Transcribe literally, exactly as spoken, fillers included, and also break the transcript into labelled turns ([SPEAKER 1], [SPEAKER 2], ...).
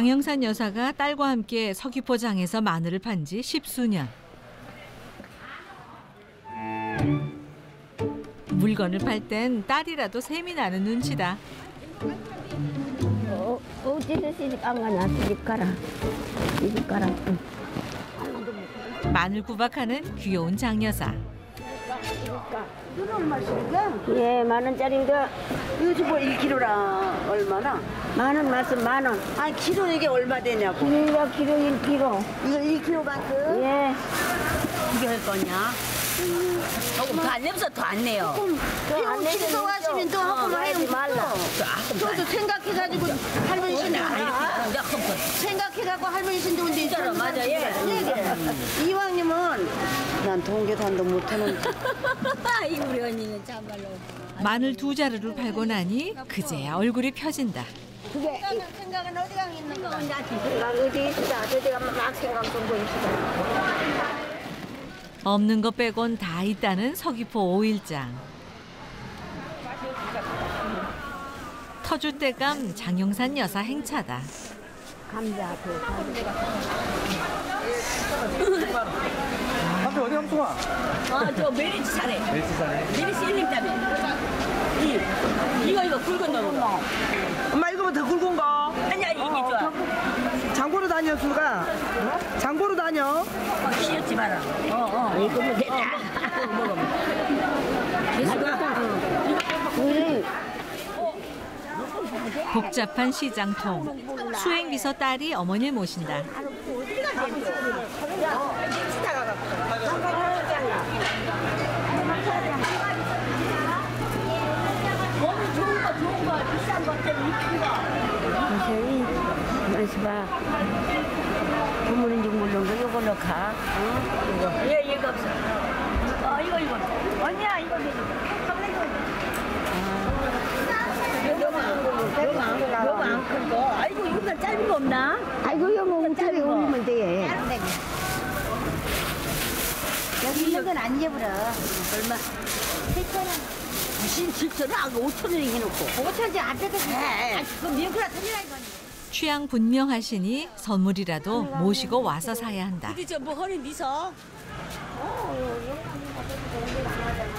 [SPEAKER 1] 장영산 여사가 딸과 함께 서귀포장에서 마늘을 판 지 십수년. 물건을 팔 땐 딸이라도 셈이 나는 눈치다.
[SPEAKER 2] 어, 어디서 시집 안 가냐? 시집 가라. 시집 가라. 응.
[SPEAKER 1] 마늘 구박하는 귀여운 장여사.
[SPEAKER 3] 이건 얼마씩이야?
[SPEAKER 2] 예, 만 원짜리인데.
[SPEAKER 3] 요즘 뭐 일 킬로gram 얼마나?
[SPEAKER 2] 만 원 맞으면 만 원.
[SPEAKER 3] 아니 키로 이게 얼마 되냐고.
[SPEAKER 2] 키로가 키로 일 킬로.
[SPEAKER 3] 이거 일 킬로그램?
[SPEAKER 2] 예.
[SPEAKER 4] 이게 할 거냐? 조금 더 안 내면서 더 안 내요.
[SPEAKER 3] 그럼 신청하시면 또 한번 해요.
[SPEAKER 2] 말라.
[SPEAKER 3] 저도 생각해가지고 할머니 신도 생각해갖고 할머니 신도 온데
[SPEAKER 4] 진짜로 맞아, 예.
[SPEAKER 3] 이왕님은 난 동계산도 못하는.
[SPEAKER 4] 이 우리 언니는 참말로.
[SPEAKER 1] 마늘 두 자루를 팔고 나니 그제야 얼굴이 펴진다.
[SPEAKER 2] 그게
[SPEAKER 3] 생각은 어디 가 있는 거야?
[SPEAKER 2] 생각 어디 있어? 어디가 막 생각 좀 보이시다.
[SPEAKER 1] 없는 것 빼곤 다 있다는 서귀포 오일장. 터줏대감 장영산 여사 행차다.
[SPEAKER 2] 감자 그 감자.
[SPEAKER 5] 한테 어디 함송아?
[SPEAKER 4] 아, 저 메리츠 잘해.
[SPEAKER 5] 멜스 사네.
[SPEAKER 4] 메리츠 일님 때문에. 이, 이거, 이거 굵은 놈.
[SPEAKER 6] 엄마 이거보다 더 굵은 거.
[SPEAKER 4] 아니야, 이게 좋아.
[SPEAKER 6] 장보러 다녀 수가. 장보러 다녀.
[SPEAKER 4] 어, 키웠지 마라. 어, 어. 이거 뭐 됐다. 먹어봐.
[SPEAKER 2] 우리
[SPEAKER 1] 복잡한 시장통. 수행비서 딸이 어머니를 모신다.
[SPEAKER 4] 좋은 거, 좋은 거, 비싼 거 때문에
[SPEAKER 2] 선생님, 맛이 봐. 부모인지 모르는 거 이거 넣가. 어? 이거.
[SPEAKER 4] 예, 이거 없어. 어, 이거, 이거. 언니야, 이거 너무 안 큰 거. 아이고, 이거보다 짧은 거 없나?
[SPEAKER 2] 아이고 이거 뭐 우차리 올리면 돼.
[SPEAKER 3] 여기 있는 건 안 예불어.
[SPEAKER 4] 얼마? 무슨 칠천원? 아, 오천 원에 해놓고.
[SPEAKER 3] 오천지 안 되겠어.
[SPEAKER 4] 그럼 미역국이라 틀리라 이거니.
[SPEAKER 1] 취향 분명하시니 선물이라도 모시고 와서 사야 한다.
[SPEAKER 4] 근데 저뭐 허리 미서?
[SPEAKER 2] 어,